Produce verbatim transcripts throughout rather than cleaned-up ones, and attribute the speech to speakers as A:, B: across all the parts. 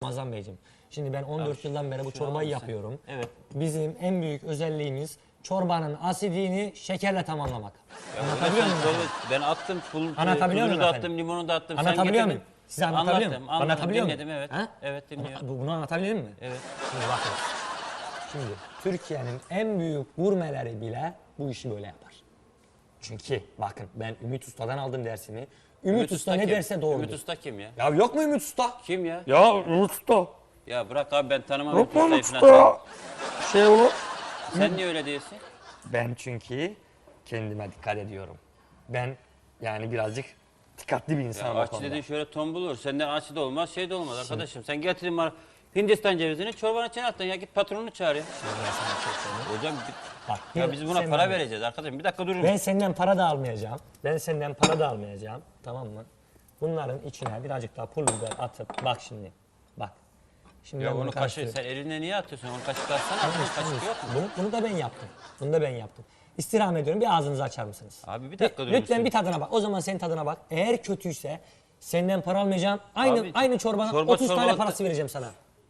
A: Ramazan Beyciğim, şimdi ben on dört yıldan beri bu çorbayı yapıyorum.
B: Evet.
A: Bizim en büyük özelliğimiz çorbanın asidini şekerle tamamlamak.
B: Ya
A: Anlatabiliyor muyum?
B: çorba, ben attım, pul,
A: Anlatabiliyor
B: tuzunu
A: muyum
B: da
A: efendim?
B: attım, limonu da attım.
A: Anlatabiliyor
B: Sen
A: muyum? Size anlatabiliyor
B: Anlattım,
A: muyum?
B: anladım,
A: Anlatabiliyor
B: dinledim,
A: muyum?
B: evet.
A: Ha?
B: Evet, dinliyorum.
A: Bu- Bunu anlatabildim mi?
B: Evet.
A: Şimdi bakın. Şimdi Türkiye'nin en büyük gurmeleri bile bu işi böyle yapar. Çünkü bakın ben Ümit Usta'dan aldım dersimi. Ümit,
B: Ümit
A: Usta ne
B: kim?
A: derse doğrudur.
B: Ümit Usta kim ya?
A: Ya yok mu Ümit Usta?
B: Kim ya?
A: Ya Ümit Usta.
B: Ya bırak abi, ben tanımam
A: Yok
B: Ümit
A: mu
B: Usta'yı
A: Ümit
B: falan.
A: Usta? Şey olur.
B: Sen niye öyle diyorsun?
A: Ben çünkü kendime dikkat ediyorum. Ben yani birazcık dikkatli bir
B: Ya
A: insanım o
B: aç
A: konuda.
B: dedin şöyle tombul olur. Senden aç da olmaz, şey de olmaz arkadaşım. Sen getirin bana Hindistan cevizini çorbanın içine attın ya, git patronunu çağır ya.
A: Ben sana bir şey söyleyeyim.
B: Hocam
A: Bak,
B: ya
A: bir-
B: biz buna
A: sen
B: para
A: bana-
B: vereceğiz arkadaşım. Bir dakika durun.
A: Ben senden para da almayacağım. Ben senden para da almayacağım. Tamam mı? Bunların içine birazcık daha pul biber atıp bak şimdi. Bak. Şimdi
B: Ya
A: ben bunu
B: onu kaşığı
A: karıştırıyorum.
B: sen eline niye atıyorsun? Onu kaşık atsana.
A: Tamam,
B: Bunun
A: tamam.
B: kaşık yok mu?
A: Bunu, bunu da ben yaptım. Bunu da ben yaptım. İstirham ediyorum. Bir ağzınızı açar mısınız?
B: Abi bir dakika durun.
A: Lütfen bir tadına bak. O zaman senin tadına bak. Eğer kötüyse senden para almayacağım. Aynı
B: Abi,
A: aynı çorbanın
B: çorba
A: otuz tane
B: çorbalıkta-
A: parası vereceğim sana.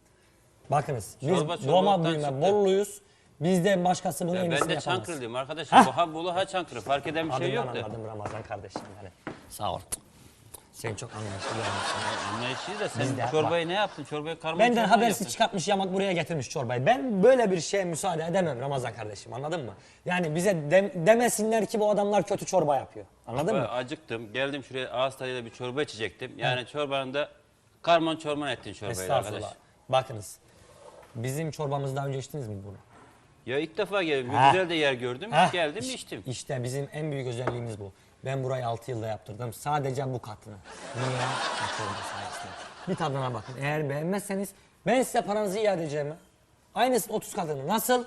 A: Bakınız. Biz
B: Çorba
A: Roma
B: çorbalıktan
A: büyüme
B: çıktı.
A: Bolluyuz. Bizden başkası bunu en
B: Ya ben
A: iyisini
B: de
A: yapamaz.
B: Çankırılıyım arkadaşım. Bu ha Bolu ha Çankırı. Fark eden bir şey
A: Adından
B: yok da.
A: anladım Ramazan kardeşim yani. Sağ ol. Sen çok anlayışlı bir adamsın.
B: Anlayışlıyız da
A: Biz de-
B: sen çorbayı ne yaptın? Çorbayı karma
A: Benden
B: çorba
A: habersiz
B: yaptın.
A: çıkartmış yamak buraya getirmiş çorbayı. Ben böyle bir şeye müsaade edemem Ramazan kardeşim, anladın mı? Yani bize de- demesinler ki bu adamlar kötü çorba yapıyor. Anladın
B: Ben
A: mı?
B: acıktım. Geldim şuraya ağız tadıyla bir çorba içecektim. Yani çorbanın da karman çorman ettin çorbayı arkadaş.
A: Estağfurullah. Bakınız. Bizim çorbamızı daha önce içtiniz mi bunu?
B: Ya ilk defa geldim.
A: Ha.
B: Güzel de yer gördüm.
A: Heh,
B: Geldim
A: iş-
B: içtim.
A: İşte bizim en büyük özelliğimiz bu. Ben burayı altı yılda yaptırdım. Sadece bu katını. Niye? Bu çorba sayesinde. Bir tadına bakın. Eğer beğenmezseniz ben size paranızı iade edeceğim. ha. Aynısı otuz katını. Nasıl?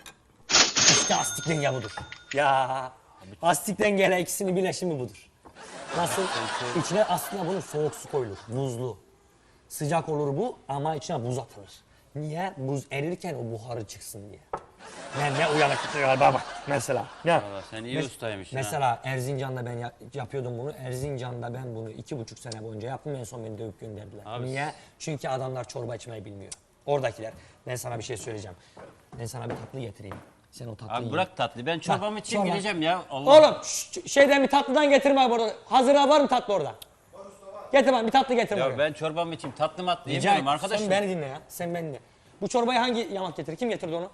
A: İşte astik denge budur. Ya astik dengeyle ikisinin birleşimi budur. Nasıl? İçine aslında bunun soğuk su koyulur. Buzlu. Sıcak olur bu ama içine buz atılır. Niye? Buz erirken o buharı çıksın diye. Ben ne uyanıklık galiba bak mesela. Ya.
B: Valla sen iyi
A: Mes-
B: ustaymışsın
A: Mesela Erzincan'da ben ya- yapıyordum bunu. Erzincan'da ben bunu iki buçuk sene boyunca yaptım. En son beni dövüp gönderdiler.
B: Abi
A: Niye? Çünkü adamlar çorba içmeyi bilmiyor. Oradakiler. Ben sana bir şey söyleyeceğim. Ben sana bir tatlı getireyim. Sen o tatlıyı
B: Abi
A: ye.
B: bırak tatlı. Ben çorbamı
A: Bak,
B: içeyim
A: çorba.
B: gideceğim ya. Allah.
A: Oğlum şş, şeyden bir tatlıdan getirme burada. Hazıra var mı tatlı orada? Getir bana bir tatlı getir buraya.
B: Ya ben çorbamı içeyim. Tatlı matlı
A: Rica
B: yemiyorum
A: et.
B: arkadaşım.
A: Sen beni dinle ya. Sen beni dinle. Bu çorbayı hangi yamak getirir? Kim getirdi onu?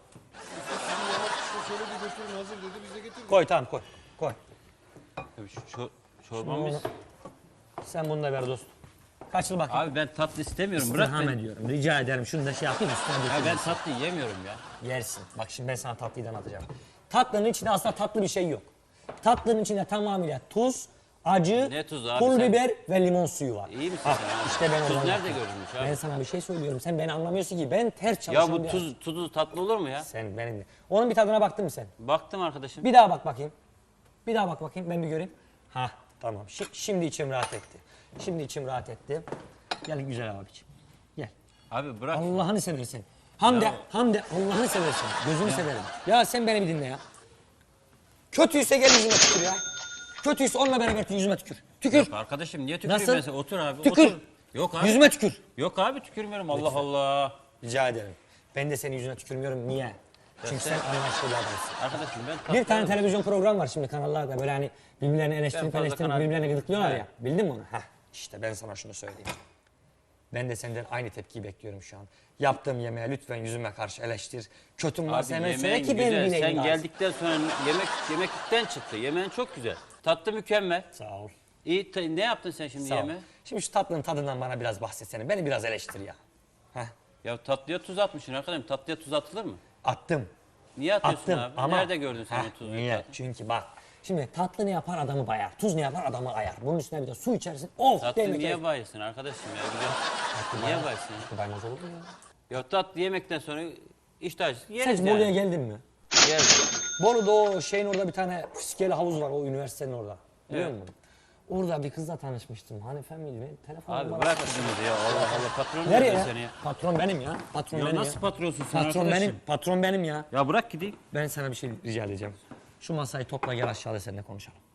C: Şöyle bir götürün hazır dedi biz de getirdik.
A: Koy tamam koy. Koy.
B: Tabii şu çor çorbamız.
A: Onu- Sen bunu da ver dostum. Kaç yıl bakayım.
B: Abi ben tatlı istemiyorum. Bırak
A: İstirham
B: beni.
A: ediyorum. Rica ederim. Şunu da şey yapayım üstüne
B: Ya
A: dökeyim.
B: ben tatlı yemiyorum ya.
A: Yersin. Bak şimdi ben sana tatlıyı anlatacağım. Tatlının içinde aslında tatlı bir şey yok. Tatlının içinde tamamıyla tuz, acı,
B: Ne tuzu abi
A: pul
B: sen?
A: biber ve limon suyu var.
B: İyi misin
A: Ah,
B: sen abi?
A: İşte ben
B: Tuz
A: oradan
B: nerede
A: yaptım.
B: görülmüş abi?
A: Ben sana bir şey söylüyorum. Sen beni anlamıyorsun ki. Ben ters
B: Ya
A: çalışan
B: bu
A: bir
B: tuz tuzu tatlı olur mu ya?
A: Sen benimle. Onun bir tadına baktın mı sen?
B: Baktım arkadaşım.
A: Bir daha bak bakayım. Bir daha bak bakayım ben bir göreyim. Ha tamam. Şi- şimdi içim rahat etti. Şimdi içim rahat etti. Gel güzel abiciğim. Gel.
B: Abi bırak.
A: Allah'ını seversen. Hamde,
B: Ya.
A: Hamde Allah'ını seversen. Gözünü severim. Ya sen beni bir dinle ya. Kötüyse gel yüzüme tükür ya. Kötüyse onunla beraber yüzüme tükür. Tükür.
B: Yok arkadaşım niye tüküreyim
A: Nasıl?
B: ben sana? Otur abi.
A: Tükür.
B: Otur. Yok abi.
A: Yüzüme tükür.
B: Yok abi tükürmüyorum. Allah Allah.
A: Rica ederim. Ben de senin yüzüne tükürmüyorum. Niye? Çünkü sen
B: sen-
A: anlayışlı bir adamsın.
B: Arkadaşım ben tatlı
A: Bir tane
B: yemem.
A: televizyon programı var şimdi kanallarda böyle hani birbirlerini
B: Ben
A: eleştirip
B: fazla
A: eleştirip
B: kanal-
A: birbirlerine gıdıklıyorlar
B: Evet.
A: ya. Bildin mi onu? Heh. İşte ben sana şunu söyleyeyim. Ben de senden aynı tepkiyi bekliyorum şu an. Yaptığım yemeğe lütfen yüzüme karşı eleştir. Kötüm varsa
B: Abi
A: hemen söyle
B: yemeğin
A: ki ben
B: güzel.
A: bileyim.
B: Sen
A: lazım.
B: geldikten sonra yemek yemekten çıktı. Yemeğin çok güzel. Tatlı mükemmel.
A: Sağ ol.
B: İyi ta- ne yaptın sen şimdi
A: Sağ ol.
B: yemeğe?
A: Şimdi şu tatlının tadından bana biraz bahsetsene. Beni biraz eleştir ya. Heh.
B: Ya tatlıya tuz atmışsın arkadaşım. Tatlıya tuz atılır mı?
A: Attım.
B: Niye atıyorsun
A: Attım
B: abi?
A: ama...
B: Nerede gördün sen
A: Heh,
B: o tuzu?
A: Niye? Çünkü bak. Şimdi tatlı ne yapar adamı bayar. Tuz ne yapar adamı ayar. Bunun üstüne bir de su içersin. Of
B: Tatlı
A: demek
B: niye
A: ki.
B: bayılsın arkadaşım ya? Güzel. Niye bayılsın ya?
A: Tatlı baymaz olur mu ya?
B: Ya tatlı yemekten sonra iştah
A: Sen
B: yeriz
A: hiç Bolu'ya
B: yani.
A: geldin mi?
B: Yeriz.
A: Bolu'da o şeyin orada bir tane fiskeli havuz var o üniversitenin orada. Biliyor
B: Evet.
A: musun? Orada bir kızla tanışmıştım. Hanife miydi? Benim telefon
B: Abi
A: numarası-
B: bırak kızımızı ya. Allah Allah patron
A: Nereye
B: nerede
A: ya?
B: seni ya?
A: Patron benim ya. Patron
B: Ya
A: benim
B: nasıl
A: ya.
B: patronsun sen
A: Patron
B: arkadaşım?
A: benim. Patron benim ya.
B: Ya bırak gideyim.
A: Ben sana bir şey rica edeceğim. Şu masayı topla gel aşağıda seninle konuşalım.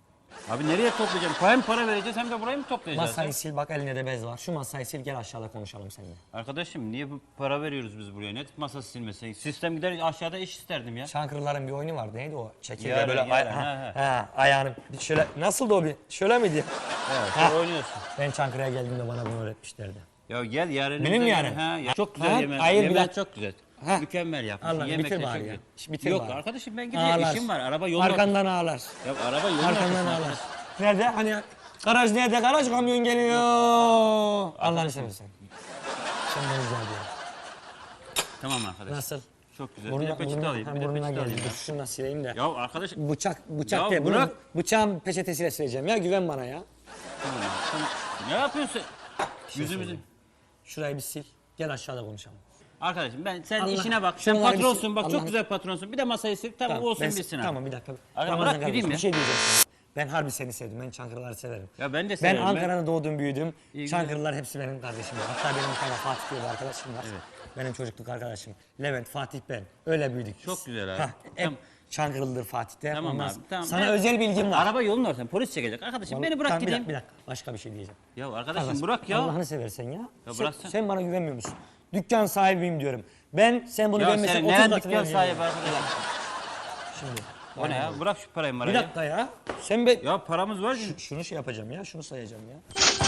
B: Abi nereye toplayacağım? Hem para vereceğiz hem de burayı mı toplayacağız?
A: Masayı
B: ya?
A: sil bak, elinde de bez var. Şu masayı sil, gel aşağıda konuşalım seninle.
B: Arkadaşım niye bu para veriyoruz biz buraya? Ne masası silmesi? Sistem gider aşağıda iş isterdim ya.
A: Çankırıların bir oyunu vardı. Neydi o? Çekirge
B: Yarın,
A: böyle
B: yarın,
A: ay-
B: ha,
A: ha,
B: ha.
A: ha, ayağını bir şöyle, nasıldı o bir? Şöyle miydi?
B: Evet,
A: Ha.
B: sen oynuyorsun.
A: Ben Çankırı'ya geldiğimde bana bunu öğretmişlerdi.
B: Ya gel yarın.
A: Benim mi
B: bize-
A: yarın?
B: Ha, ya çok güzel
A: Ha,
B: yemek.
A: hayır, bir
B: Yemek
A: dakika.
B: çok güzel.
A: Ha.
B: Mükemmel yapmışsın.
A: Allah,
B: Yemek
A: bitir
B: de çok
A: bari
B: güzel.
A: ya. Bitir
B: Yok
A: bari.
B: arkadaşım ben gidiyorum.
A: Ağlar.
B: İşim var. Araba yolun
A: Arkandan ağlar.
B: ortasında. Ya araba yolun
A: Arkandan
B: ortasında
A: ağlar.
B: arkadaş.
A: Nerede? Hani garaj nerede? Garaj kamyon geliyor. Allah'ını seversen. Sen beni rica ediyorum.
B: Tamam arkadaş.
A: Nasıl?
B: Çok güzel.
A: Burnuna,
B: bir de peçete
A: burnuna,
B: alayım.
A: ha,
B: Bir de
A: burnuna
B: peçete
A: geldi.
B: alayım.
A: Dur şunu da sileyim de.
B: Ya arkadaş.
A: Bıçak, bıçak
B: Ya
A: değil. Bunu
B: bırak.
A: bıçağın peçetesiyle sileceğim ya. Güven bana ya.
B: Tamam, tamam. Ne yapıyorsun?
A: şey
B: Yüzümüzü.
A: söyleyeyim. Şurayı bir sil. Gel aşağıda konuşalım.
B: Arkadaşım ben sen
A: Allah-
B: işine bak. Sen
A: şunları bir
B: patronsun
A: sil-
B: bak
A: Allah-
B: çok güzel patronsun. Bir de masayı sil. Tamam, olsun
A: ben-
B: bitsin abi.
A: Tamam bir dakika.
B: Aga,
A: Ramazan
B: bırak
A: kardeşim,
B: gideyim ya.
A: bir şey diyeceğim sana. Ben harbi seni sevdim. Ben Çankırıları severim.
B: Ya ben de
A: Ben
B: severim.
A: Ankara'da doğdum, büyüdüm.
B: İyi
A: Çankırılar hepsi benim kardeşim. Hatta benim bir tane Fatih diye bir arkadaşım var. Benim çocukluk arkadaşım. Levent, Fatih, ben. Öyle büyüdük biz.
B: Çok güzel abi.
A: Hah, hep
B: Tamam.
A: Çankırılıdır Fatih'te.
B: Tamam
A: Ondan
B: abi,
A: sonra-
B: tamam.
A: Sana
B: Ben-
A: özel bilgim var.
B: Araba yolun ortasında polis çekecek. Arkadaşım beni bırak
A: Tamam, bir
B: gideyim.
A: dakika, bir dakika. Başka bir şey diyeceğim.
B: Ya arkadaşım
A: Kardeş,
B: bırak ya.
A: Allah'ını seversen ya.
B: Ya
A: sen,
B: bıraksana.
A: sen bana güvenmiyor musun? Dükkan sahibiyim diyorum. Ben sen bunu
B: Ya
A: beğenmesen
B: senin
A: otuz
B: neren
A: katını
B: dükkan
A: vereceğim
B: sahibi
A: ya.
B: arkadaşım?
A: Şimdi.
B: O ne ya? Bırak şu parayı
A: Bir
B: marayı.
A: dakika ya. Sen be...
B: Ya paramız var.
A: Şu- şunu şey yapacağım ya. Şunu sayacağım ya.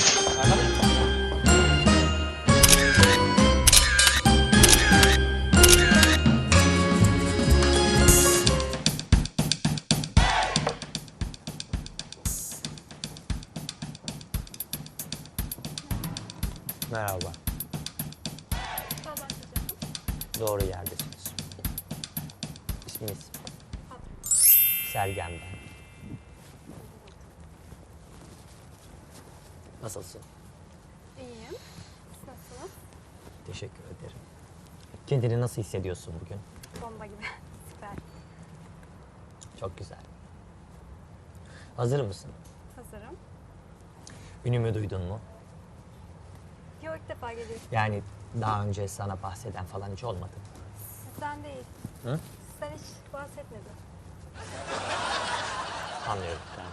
A: Merhaba. Doğru yerdesiniz. İsminiz? Sergen ben. Nasılsın?
D: İyiyim. Siz nasılsınız?
A: Teşekkür ederim. Kendini nasıl hissediyorsun bugün?
D: Bomba gibi. Süper.
A: Çok güzel. Hazır mısın?
D: Hazırım.
A: Ünümü duydun mu?
D: Yok, ilk defa geliyorsun.
A: Yani daha önce sana bahseden falan hiç olmadı mı?
D: Sizden değil.
A: Hı?
D: Sizden hiç bahsetmedi.
A: Anlıyorum. Yani.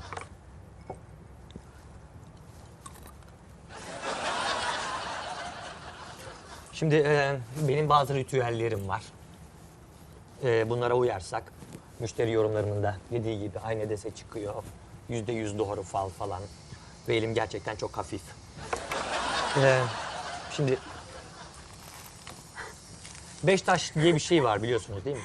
A: Şimdi e, benim bazı ritüellerim var. E, bunlara uyarsak müşteri yorumlarının da dediği gibi aynı dese çıkıyor. Yüzde yüz doğru fal falan. Ve elim gerçekten çok hafif. E, şimdi beş taş diye bir şey var, biliyorsunuz değil mi?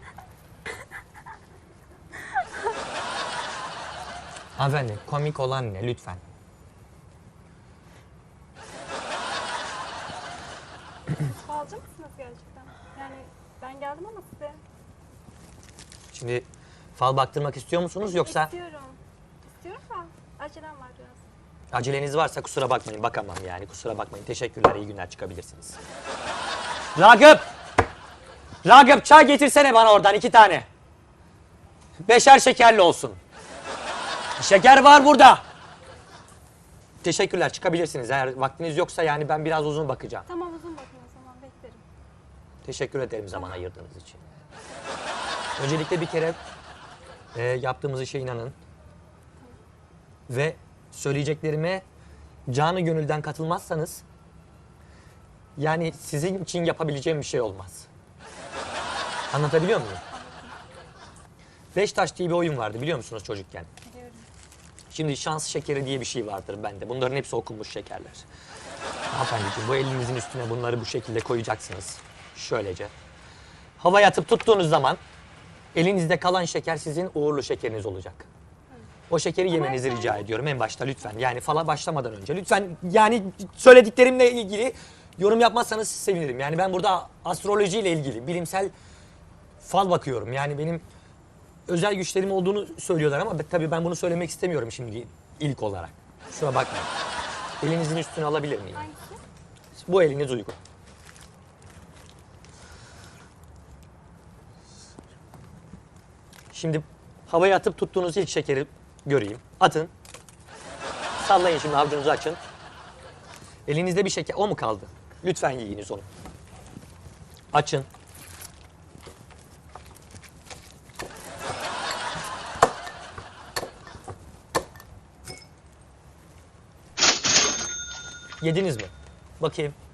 A: Hanımefendi, komik olan ne lütfen?
D: Falcı mısınız gerçekten? Yani ben geldim ama size
A: Şimdi fal baktırmak istiyor musunuz yoksa
D: istiyorum. İstiyorum da acelem var biraz.
A: aceleniz varsa kusura bakmayın, bakamam yani, kusura bakmayın. Teşekkürler, iyi günler, çıkabilirsiniz. Ragıp! Ragıp, çay getirsene bana oradan iki tane. Beşer şekerli olsun. Şeker var burada. Teşekkürler, çıkabilirsiniz. Eğer vaktiniz yoksa yani ben biraz uzun bakacağım.
D: Tamam, uzun bakın o zaman, beklerim.
A: Teşekkür ederim zaman ayırdığınız için. Öncelikle bir kere e, yaptığımız işe inanın. Ve söyleyeceklerime canı gönülden katılmazsanız yani sizin için yapabileceğim bir şey olmaz. Anlatabiliyor muyum? Beş taş diye bir oyun vardı, biliyor musunuz çocukken?
D: Biliyorum.
A: Şimdi şans şekeri diye bir şey vardır bende. Bunların hepsi okunmuş şekerler. Hanımefendiciğim, bu elinizin üstüne bunları bu şekilde koyacaksınız. Şöylece. Havaya atıp tuttuğunuz zaman elinizde kalan şeker sizin uğurlu şekeriniz olacak. O şekeri yemenizi
D: efendim-
A: rica ediyorum en başta lütfen. Yani fala başlamadan önce. Lütfen yani söylediklerimle ilgili yorum yapmazsanız sevinirim. Yani ben burada astrolojiyle ilgili bilimsel fal bakıyorum. Yani benim özel güçlerim olduğunu söylüyorlar ama tabii ben bunu söylemek istemiyorum şimdi ilk olarak. Kusura bakmayın. Elinizin üstüne alabilir miyim?
D: Hangisi?
A: Bu eliniz uygun. Şimdi havaya atıp tuttuğunuz ilk şekeri göreyim. Atın. Sallayın şimdi, avucunuzu açın. Elinizde bir şeker, o mu kaldı? Lütfen yiyiniz onu. Açın. Yediniz mi? Bakayım.